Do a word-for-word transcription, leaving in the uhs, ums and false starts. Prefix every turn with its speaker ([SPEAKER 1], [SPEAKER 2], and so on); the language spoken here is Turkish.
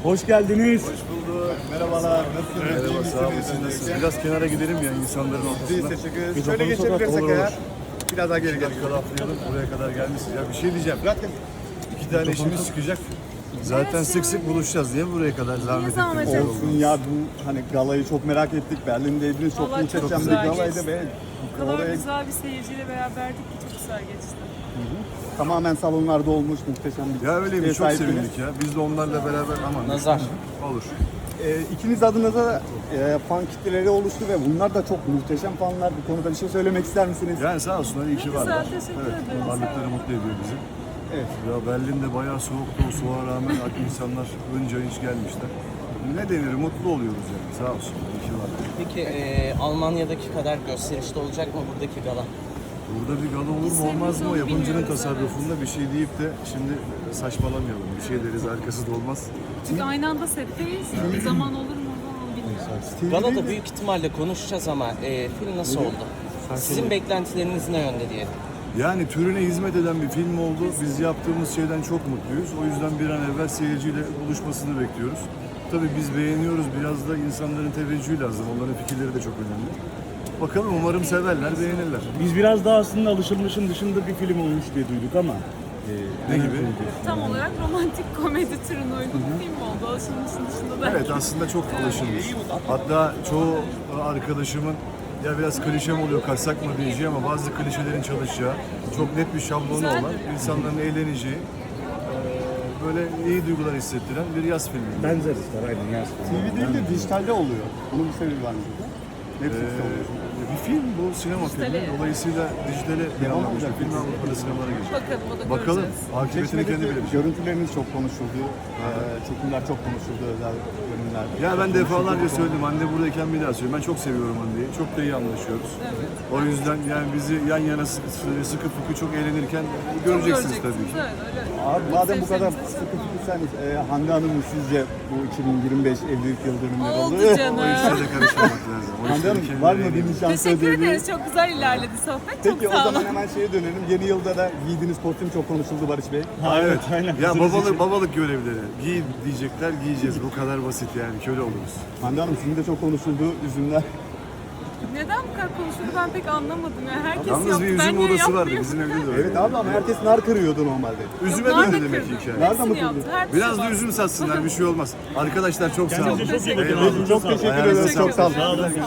[SPEAKER 1] Hoş geldiniz.
[SPEAKER 2] Hoş bulduk. Merhabalar. Nasılsınız?
[SPEAKER 3] Merhaba, sağ olun. Siz nasılsınız? Biraz kenara gidelim ya insanların
[SPEAKER 2] Biz
[SPEAKER 3] ortasına.
[SPEAKER 2] teşekkür ederiz.
[SPEAKER 1] Mikrofonu
[SPEAKER 2] Şöyle geçebilirsek
[SPEAKER 3] olur,
[SPEAKER 2] eğer.
[SPEAKER 3] olur.
[SPEAKER 2] Biraz daha geri
[SPEAKER 3] Bir
[SPEAKER 2] gel.
[SPEAKER 3] dakika laflayalım. Buraya kadar gelmişsiniz. Ya bir şey diyeceğim.
[SPEAKER 2] Bırakın.
[SPEAKER 3] İki tane işimiz çıkacak. Zaten sık sık buluşacağız. Niye buraya kadar zahmet
[SPEAKER 4] zahmet
[SPEAKER 3] ettiniz?
[SPEAKER 4] ettiniz?
[SPEAKER 2] Olsun ya, bu hani galayı çok merak ettik. Berlin'deydiniz. Çok
[SPEAKER 4] Vallahi çok
[SPEAKER 2] muhteşem bir
[SPEAKER 4] güzel
[SPEAKER 2] galaydı
[SPEAKER 4] geçti.
[SPEAKER 2] ve
[SPEAKER 4] O kadar
[SPEAKER 2] oraya
[SPEAKER 4] güzel bir seyirciyle beraberdik ki çok güzel geçti.
[SPEAKER 2] tamamen salonlarda olmuş muhteşem bir
[SPEAKER 3] Ya öyle
[SPEAKER 2] şeye
[SPEAKER 3] bir çok
[SPEAKER 2] sahipsiniz.
[SPEAKER 3] sevindik ya. Biz de onlarla beraber aman.
[SPEAKER 5] Nazar.
[SPEAKER 3] Olur.
[SPEAKER 2] Ee, ikiniz adınıza e, fan kitleleri oluştu ve bunlar da çok muhteşem fanlar. Bu konuda bir şey söylemek ister misiniz?
[SPEAKER 3] Yani sağ olsunlar iyi ki
[SPEAKER 4] Güzel,
[SPEAKER 3] varlar.
[SPEAKER 4] teşekkür
[SPEAKER 3] Evet,
[SPEAKER 4] ederim.
[SPEAKER 3] varlıkları mutlu ediyor bizi.
[SPEAKER 2] Evet.
[SPEAKER 3] Ya Berlin'de bayağı soğuktu. O soğuğa rağmen insanlar önce hiç gelmişler. Ne denir? Mutlu oluyoruz yani. Sağ olsun. İyi ki varlar.
[SPEAKER 5] Peki e, Almanya'daki kadar gösterişli olacak mı buradaki gala?
[SPEAKER 3] Burada bir gala olur mu olmaz mı? O yapımcının tasarrufunda bir şey deyip de şimdi saçmalamayalım. Bir şey deriz, arkası da olmaz.
[SPEAKER 4] Çünkü aynı anda setteyiz. Zaman olur mu onu bilmiyorum.
[SPEAKER 5] Galada büyük ihtimalle konuşacağız ama e, film nasıl oldu? Sizin beklentileriniz ne yönde diyelim?
[SPEAKER 3] Yani türüne hizmet eden bir film oldu. Biz yaptığımız şeyden çok mutluyuz. O yüzden bir an evvel seyirciyle buluşmasını bekliyoruz. Tabii biz beğeniyoruz. Biraz da insanların teveccühü lazım. Onların fikirleri de çok önemli. Bakalım, umarım severler, beğenirler.
[SPEAKER 1] Biz biraz daha aslında alışılmışın dışında bir film olmuş diye duyduk ama. e,
[SPEAKER 3] Ne gibi?
[SPEAKER 4] Tam olarak romantik komedi türüne uygun bir film oldu. Alışılmışın dışında da.
[SPEAKER 3] Evet, aslında çok alışılmış. Hatta çoğu arkadaşımın ya biraz klişe mi oluyor, kaçsak mı diyeceği ama bazı klişelerin çalışacağı, çok net bir şablonu
[SPEAKER 4] Güzeldir.
[SPEAKER 3] olan, insanların eğleneceği, eee, böyle iyi duygular hissettiren bir yaz filmi.
[SPEAKER 1] Benzer ister aynen yaz.
[SPEAKER 2] T V değil de dijitalde oluyor. Bunun bir sebebi var mı? Netflix'te oluyor.
[SPEAKER 3] Ee, bir film bu, sinema filmi.
[SPEAKER 4] Dijitale.
[SPEAKER 3] Dolayısıyla dijitale planlanmış bir film Avrupa'da sinemalara gelecek.
[SPEAKER 4] Bakalım o da
[SPEAKER 3] Bakalım,
[SPEAKER 4] göreceğiz.
[SPEAKER 3] akıbetini kendi
[SPEAKER 2] Çeşmedeki
[SPEAKER 3] bilir.
[SPEAKER 2] görüntüleriniz çok konuşuldu. Ee, çekimler çok konuşuldu, özel bölümler.
[SPEAKER 3] Ya ben defalarca söyledim, Hande buradayken bir daha söyleyeyim. Ben çok seviyorum Hande'yi, çok da iyi anlaşıyoruz.
[SPEAKER 4] Evet.
[SPEAKER 3] O yüzden yani bizi yan yana sı- sı- sıkı fıkı çok eğlenirken göreceksiniz tabii ki.
[SPEAKER 4] Evet, öyle.
[SPEAKER 2] Abi madem bu kadar
[SPEAKER 4] Sevseniz
[SPEAKER 2] sıkı tutuyorsanız e, Hande Hanım'ın sizce bu iki bin yirmi beş evlilik yıl dönümleri
[SPEAKER 4] Oldu
[SPEAKER 2] oldu.
[SPEAKER 4] canım.
[SPEAKER 3] O işlere de karışmamak lazım. O
[SPEAKER 2] Hande
[SPEAKER 3] işleri
[SPEAKER 2] Hanım
[SPEAKER 3] kendileri
[SPEAKER 2] var mı
[SPEAKER 3] eğlenin.
[SPEAKER 2] bir nişan
[SPEAKER 4] Teşekkür
[SPEAKER 2] sözleri?
[SPEAKER 4] ederiz. Çok güzel ilerledi sohbet.
[SPEAKER 2] Peki
[SPEAKER 4] çok
[SPEAKER 2] o
[SPEAKER 4] sağ
[SPEAKER 2] zaman
[SPEAKER 4] olun.
[SPEAKER 2] hemen şeye dönelim. Yeni yılda da giydiğiniz kostüm çok konuşuldu Barış Bey.
[SPEAKER 1] Ha, evet aynen.
[SPEAKER 3] Ya
[SPEAKER 1] Hazırız
[SPEAKER 3] babalık
[SPEAKER 1] için.
[SPEAKER 3] babalık görevleri. Giy diyecekler, giyeceğiz. Bu kadar basit yani. Köle oluruz.
[SPEAKER 2] Hande Hanım sizin de çok konuşuldu üzümler.
[SPEAKER 4] Neden bu kadar konuşuldu ben pek anlamadım. Yani herkes
[SPEAKER 3] Yalnız
[SPEAKER 4] yaptı.
[SPEAKER 3] bir
[SPEAKER 4] ben
[SPEAKER 3] üzüm
[SPEAKER 4] niye
[SPEAKER 3] odası vardı
[SPEAKER 4] yapmayayım?
[SPEAKER 3] bizim evde de öyle.
[SPEAKER 2] Evet abi ama herkes nar kırıyordu normalde.
[SPEAKER 3] Üzüme
[SPEAKER 4] Yok, nar
[SPEAKER 3] döndü
[SPEAKER 4] da
[SPEAKER 3] demek ki
[SPEAKER 4] kırdım.
[SPEAKER 3] hikaye.
[SPEAKER 2] Nerede mı
[SPEAKER 4] Hepsini
[SPEAKER 2] kırdın?
[SPEAKER 4] yaptı, hepsi
[SPEAKER 3] Biraz da
[SPEAKER 4] var.
[SPEAKER 3] üzüm satsınlar, bir şey olmaz. Arkadaşlar çok sağ olun.
[SPEAKER 1] Kendinize çok iyi bakın.
[SPEAKER 3] Eyvallah.
[SPEAKER 2] Çok teşekkür
[SPEAKER 3] Ayağınıza
[SPEAKER 2] ederim. Çok
[SPEAKER 3] sağlık.
[SPEAKER 2] sağ olun.
[SPEAKER 1] Sağ olun.